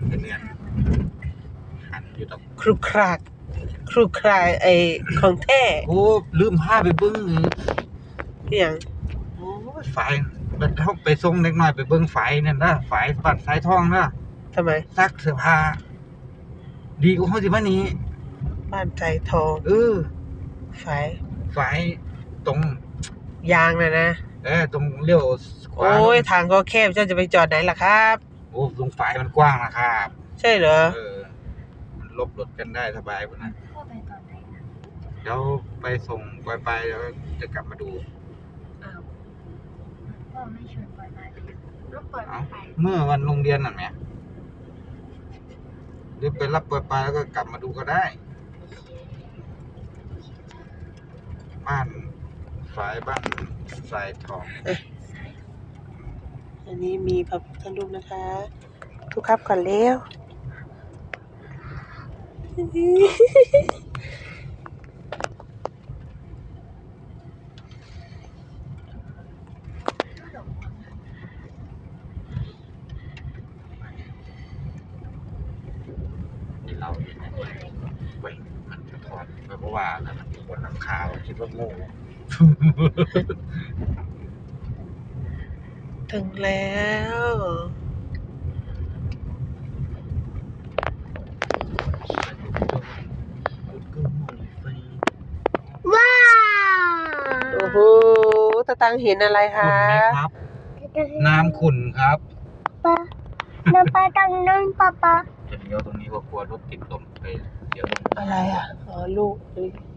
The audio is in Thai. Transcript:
เป็นเดือนหันอยู่ตรงครุครากครุครายไอของแท้โอ้ลืมผ้าไปเบิ้งอย่างโอ้ยฝายมันเข้าไปส่งเล็กน้อยไปเบิ้งฝายนั่นนะฝายปัดสายทองนะทำไมซักเสื้อผ้าดีกว่าเขาสิมานี้บ้านใจทอง ไฟฝายตรงยางนะตรงเลี้ยวขวาโอ้ยทางก็แคบเจ้าจะไปจอดไหนล่ะครับโอ้ตรงฝายมันกว้างนะครับใช่เหรอมันลบรถกันได้สบายกว่านะพ่อไปตอนไหนนะเดี๋ยวไปส่งปล่อยไปแล้วจะกลับมาดูอ้าวพ่อไม่ชวนปล่อยมาเลยรถปล่อยเอ้าไปเมื่อวันโรงเรียนน่ะแม่หรือไปรับปล่อยไปแล้วก็กลับมาดูก็ได้ บ้านฝายบ้านสายทองอันนี้มีพระพุทธรูปนะคะ ทุกครับก่อนเร็วที่เราอยู่เนี่ยเว้ยมันจะถอดไปเพราะว่าแล้วมันอยู่บนหลังคาคิดว่าโง่ถึงแล้วว้าวโอ้โหตาตังเห็นอะไรขุ่คะนไหมครับ น้ำขุ่นครับป้าน้ำปลาตังนั่นป้าจะเลี้ยวตรงนี้ก็กลัวรถติดลมไปเดี๋ยวอะไรอ่ะ อ๋อ ลูก